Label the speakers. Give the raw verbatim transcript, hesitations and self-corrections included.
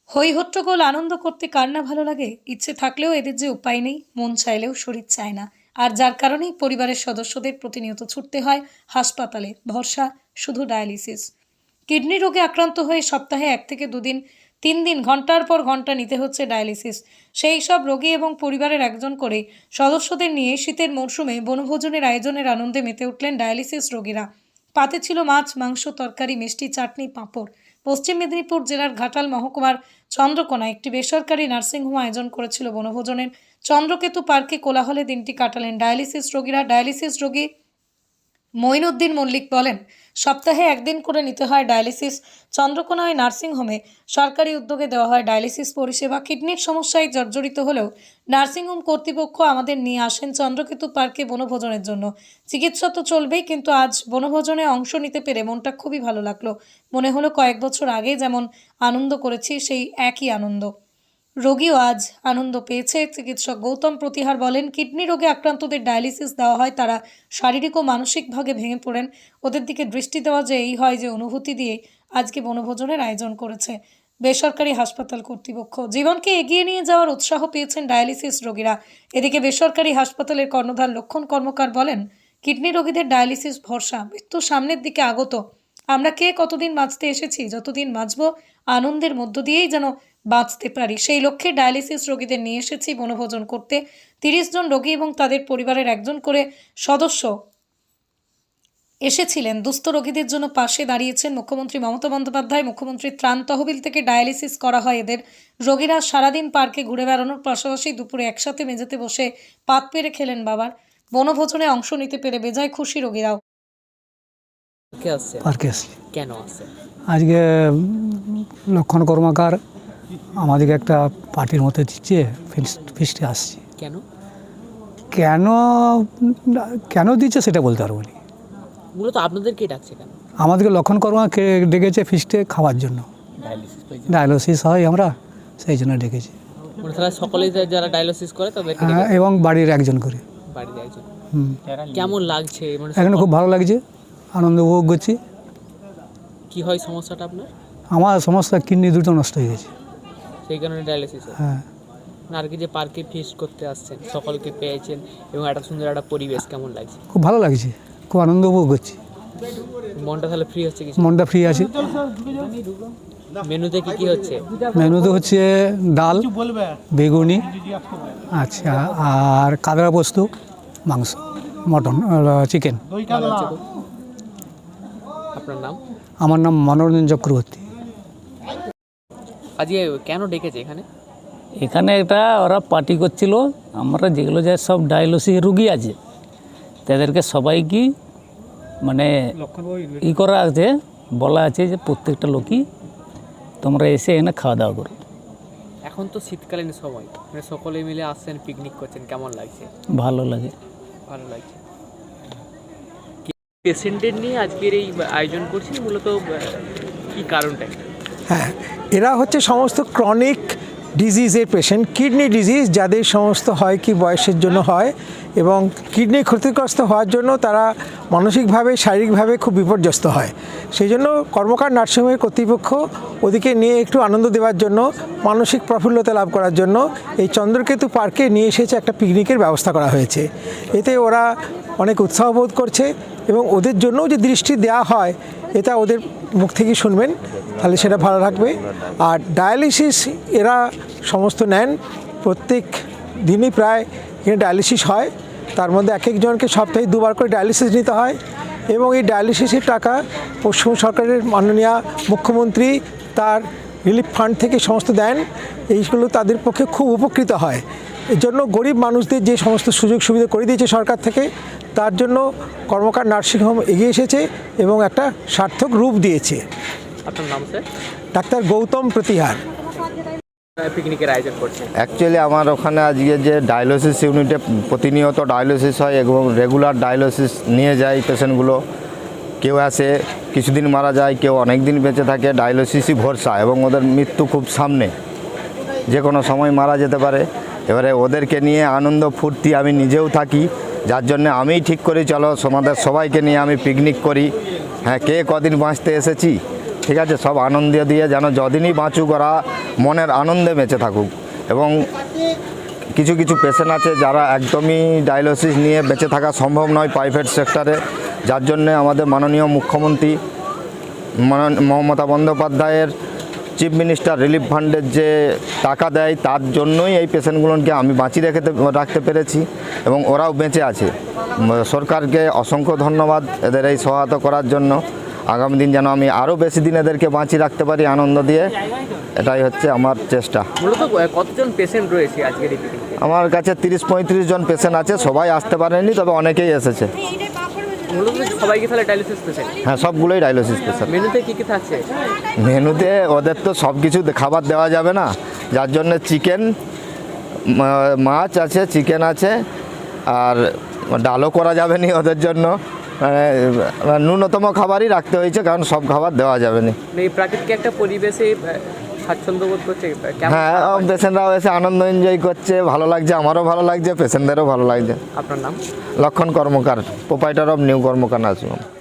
Speaker 1: হই হট্টগোল আনন্দ করতে কার না ভালো লাগে। ইচ্ছে থাকলেও এদের যে উপায় নেই, মন চাইলেও শরীর চায় না। আর যার কারণেই পরিবারের সদস্যদের প্রতিনিয়ত ছুটতে হয় হাসপাতালে। ভরসা শুধু ডায়ালিসিস। কিডনি রোগে আক্রান্ত হয়ে সপ্তাহে এক থেকে দুদিন তিন দিন ঘন্টার পর ঘন্টা নিতে হচ্ছে ডায়ালিসিস। সেই সব রোগী এবং পরিবারের একজন করে সদস্যদের নিয়ে শীতের মরশুমে বনভোজনের আয়োজনের আনন্দে মেতে উঠলেন ডায়ালিসিস রোগীরা। পাতে ছিল মাছ, মাংস, তরকারি, মিষ্টি, চাটনি, পাঁপড়। পশ্চিম মেদিনীপুর জেলার ঘাটাল মহকুমার চন্দ্রকোনায় একটি বেসরকারি নার্সিংহোম আয়োজন করেছিল বনভোজনের। চন্দ্রকেতু পার্কে কোলাহলে দিনটি কাটালেন ডায়ালিসিস রোগীরা। ডায়ালিসিস রোগী মঈনুদ্দিন মল্লিক বলেন, সপ্তাহে একদিন করে নিতে হয় ডায়ালিসিস। চন্দ্রকোনায় নার্সিংহোমে সরকারি উদ্যোগে দেওয়া হয় ডায়ালিসিস পরিষেবা। কিডনির সমস্যায় জর্জরিত হলেও নার্সিংহোম কর্তৃপক্ষ আমাদের নিয়ে আসেন চন্দ্রকেতু পার্কে বনভোজনের জন্য। চিকিৎসা তো চলবেই, কিন্তু আজ বনভোজনে অংশ নিতে পেরে মনটা খুবই ভালো লাগলো। মনে হলো কয়েক বছর আগে যেমন আনন্দ করেছি সেই একই আনন্দ। রোগীও আজ আনন্দ পেয়েছে। চিকিৎসক গৌতম প্রতিহার বলেন, কিডনি রোগে আক্রান্তদের ডায়ালিসিস দেওয়া হয় তারা শারীরিক ও মানসিকভাবে ভেঙে পড়েন। ওদের দিকে দৃষ্টি দেওয়া যে এই হয় যে অনুভূতি দিয়ে আজকে বনভোজনের আয়োজন করেছে বেসরকারি হাসপাতাল কর্তৃপক্ষ। জীবনকে এগিয়ে নিয়ে যাওয়ার উৎসাহ পেয়েছেন ডায়ালিসিস রোগীরা। এদিকে বেসরকারি হাসপাতালের কর্ণধার লক্ষণ কর্মকার বলেন, কিডনি রোগীদের ডায়ালিসিস ভরসা। মৃত্যু সামনের দিকে আগত। আমরা কে কতদিন বাঁচতে এসেছি, যতদিন বাঁচব আনন্দের মধ্য দিয়েই যেন বাঁচতে পারি, সেই লক্ষ্যে ডায়ালিসিস রোগীদের নিয়ে এসেছি বনভোজন করতে। তিরিশ জন রোগী এবং তাদের পরিবারের একজন করে সদস্য এসেছিলেন। দুস্থ রোগীদের জন্য পাশে দাঁড়িয়েছেন মুখ্যমন্ত্রী মমতা বন্দ্যোপাধ্যায়। মুখ্যমন্ত্রীর ত্রাণ তহবিল থেকে ডায়ালিসিস করা হয় এদের। রোগীরা সারাদিন পার্কে ঘুরে বেড়ানোর পাশাপাশি দুপুরে একসাথে মেঝেতে বসে পাত পেরে খেলেন বাবার। বনভোজনে অংশ নিতে পেরে বেজায় খুশি রোগীরাও।
Speaker 2: পার্কে আসছি
Speaker 3: কেন আসছে?
Speaker 2: আজকে লক্ষণ কর্মকার আমাদেরকে একটা পার্টির মতো দিচ্ছে, ফিস্টে আসছি।
Speaker 3: কেন
Speaker 2: কেন কেন দিচ্ছে সেটা বলতে পারবো না।
Speaker 3: মূলত আপনাদেরকে ডাকছে কেন?
Speaker 2: আমাদেরকে লক্ষণ কর্মকে ডেকেছে ফিস্টে খাওয়ার জন্য। ডায়ালিসিস হয় আমরা, সেই জন্য ডেকেছি।
Speaker 3: মানে তারা সকলেই যারা ডায়ালিসিস করে তাদেরকে
Speaker 2: হ্যাঁ, এবং বাড়ির একজন করে।
Speaker 3: বাড়িতে একজন।
Speaker 2: হুম,
Speaker 3: কেমন লাগছে? মানে
Speaker 2: এখানে খুব ভালো লাগছে, আনন্দ উপভোগ করছি।
Speaker 3: কি হয় সমস্যাটা আপনার?
Speaker 2: আমার সমস্যা কিডনি দুটো নষ্ট হয়ে গেছে,
Speaker 3: সেই কারণে ডায়ালিসিস হয়।
Speaker 2: হ্যাঁ।
Speaker 3: আর কি যে পার্কে ফিস্ট করতে আসছেন, সকলকে পেয়েছেন এবং একটা সুন্দর একটা পরিবেশ, কেমন লাগছে?
Speaker 2: খুব ভালো লাগছে, খুব আনন্দ উপভোগ করছি।
Speaker 3: মনটা তাহলে ফ্রি হচ্ছে? কিছু
Speaker 2: মনটা ফ্রি আছে।
Speaker 3: মেনুতে কি কি হচ্ছে?
Speaker 2: মেনুতে হচ্ছে ডাল, বেগুনি, আচ্ছা, আর কাদরা পোস্ত, মাংস, মটন, চিকেন।
Speaker 3: আপনার নাম?
Speaker 2: আমার নাম মনোরঞ্জন চক্রবর্তী।
Speaker 3: আজকে কেন ডেকেছে এখানে?
Speaker 4: এখানে এটা ওরা পার্টি করছিল। আমরা যেগুলো যে সব ডায়ালিসিস রুগী আছে তাদেরকে সবাইকে মানে ই করা আছে, বলা আছে যে প্রত্যেকটা লোকই তোমরা এসে এখানে খাওয়া দাওয়া করো।
Speaker 3: এখন তো শীতকালীন সময়, মানে সকলে মিলে আসছেন, পিকনিক করছেন, কেমন লাগছে?
Speaker 4: ভালো লাগে,
Speaker 3: ভালো লাগছে। পেশেন্টদের নিয়ে আজকের এই আয়োজন করছি, মূলত কি কারণটা?
Speaker 5: হ্যাঁ, এরা হচ্ছে সমস্ত ক্রনিক ডিজিজের পেশেন্ট, কিডনি ডিজিজ যাদের সমস্ত হয় কি বয়সের জন্য হয়, এবং কিডনি ক্ষতিগ্রস্ত হওয়ার জন্য তারা মানসিকভাবে শারীরিকভাবে খুব বিপর্যস্ত হয়। সেই জন্য কর্মকার নার্সিংহোমের কর্তৃপক্ষ ওদিকে নিয়ে একটু আনন্দ দেওয়ার জন্য, মানসিক প্রফুল্লতা লাভ করার জন্য এই চন্দ্রকেতু পার্কে নিয়ে এসেছে একটা পিকনিকের ব্যবস্থা করা হয়েছে। এতে ওরা অনেক উৎসাহ বোধ করছে এবং ওদের জন্যও যে দৃষ্টি দেওয়া হয় এটা ওদের মুখ থেকে শুনবেন, তাহলে সেটা ভালো লাগবে। আর ডায়ালিসিস এরা সমস্ত নেন, প্রত্যেক দিনই প্রায় এখানে ডায়ালিসিস হয়। তার মধ্যে এক একজনকে সপ্তাহে দুবার করে ডায়ালিসিস নিতে হয় এবং এই ডায়ালিসিসের টাকা পশ্চিমবঙ্গ সরকারের মাননীয় মুখ্যমন্ত্রী তার রিলিফ ফান্ড থেকে সমস্ত দেন। এইগুলো তাদের পক্ষে খুব উপকৃত হয়। এর জন্য গরিব মানুষদের যে সমস্ত সুযোগ সুবিধা করে দিয়েছে সরকার থেকে, তার জন্য কর্মকার নার্সিংহোম এগিয়ে এসেছে এবং একটা সার্থক রূপ দিয়েছে।
Speaker 3: আপনার নাম স্যার?
Speaker 5: ডাক্তার গৌতম প্রতিহার।
Speaker 3: পিকনিকের আয়োজন করছে।
Speaker 6: অ্যাকচুয়ালি আমার ওখানে আজকে যে ডায়ালিসিস ইউনিটে প্রতিনিয়ত ডায়ালিসিস হয় এবং রেগুলার ডায়ালিসিস নিয়ে যায় পেশেন্টগুলো। কেউ আসে কিছুদিন মারা যায়, কেউ অনেক দিন বেঁচে থাকে। ডায়ালিসিসই ভরসা এবং ওদের মৃত্যু খুব সামনে, যে কোনো সময় মারা যেতে পারে। এবারে ওদেরকে নিয়ে আনন্দ ফুর্তি আমি নিজেও থাকি, যার জন্য আমিই ঠিক করি চলো আমাদের সবাইকে নিয়ে আমি পিকনিক করি। হ্যাঁ, কে কদিন বাঁচতে এসেছি, ঠিক আছে, সব আনন্দ দিয়ে যেন যদিনই বাঁচুক ওরা মনের আনন্দে বেঁচে থাকুক। এবং কিছু কিছু পেশেন্ট আছে যারা একদমই ডায়ালিসিস নিয়ে বেঁচে থাকা সম্ভব নয় প্রাইভেট সেক্টরে, যার জন্যে আমাদের মাননীয় মুখ্যমন্ত্রী মানন- মমতা বন্দ্যোপাধ্যায়ের চিফ মিনিস্টার রিলিফ ফান্ডের যে টাকা দেয় তার জন্যই এই পেশেন্টগুলোকে আমি বাঁচিয়ে রেখে রাখতে পেরেছি এবং ওরাও বেঁচে আছে। উম, সরকারকে অসংখ্য ধন্যবাদ এদের এই সহায়তা করার জন্য। আগামী দিন যেন আমি আরও বেশি দিন এদেরকে বাঁচিয়ে রাখতে পারি আনন্দ দিয়ে, এটাই হচ্ছে আমার চেষ্টা।
Speaker 3: মূলত কতজন পেশেন্ট রয়েছে আজকের এই পিকনিকে?
Speaker 6: আমার কাছে তিরিশ পঁয়ত্রিশ জন পেশেন্ট আছে, সবাই আসতে পারেনি, তবে অনেকেই এসেছে।
Speaker 3: মূলত সবাইকে তাহলে ডায়ালিসিস পেশেন্ট?
Speaker 6: হ্যাঁ, সবগুলোই ডায়ালিসিস পেশেন্ট।
Speaker 3: মেনুতে কি কি থাকছে?
Speaker 6: মেনুতে ওদের তো সব কিছু খাবার দেওয়া যাবে না, যার জন্য চিকেন, মাছ আছে, চিকেন আছে, আর ডালও করা যাবে না ওদের জন্য। মানে ন্যূনতম খাবারই রাখতে হয়েছে, কারণ সব খাবার দেওয়া যাবে না।
Speaker 3: এই প্রাকৃতিক একটা পরিবেশে আহ, স্বাচ্ছন্দ্য বোধ করছে কেমন?
Speaker 6: হ্যাঁ, পেশেন্টরাও এসে আনন্দ এনজয় করছে, ভালো লাগছে, আমারও ভালো লাগছে, পেশেন্টদেরও ভালো লাগছে।
Speaker 3: আপনার নাম?
Speaker 6: Lakshman Karmakar, proprietor of new Karmakar nursing home.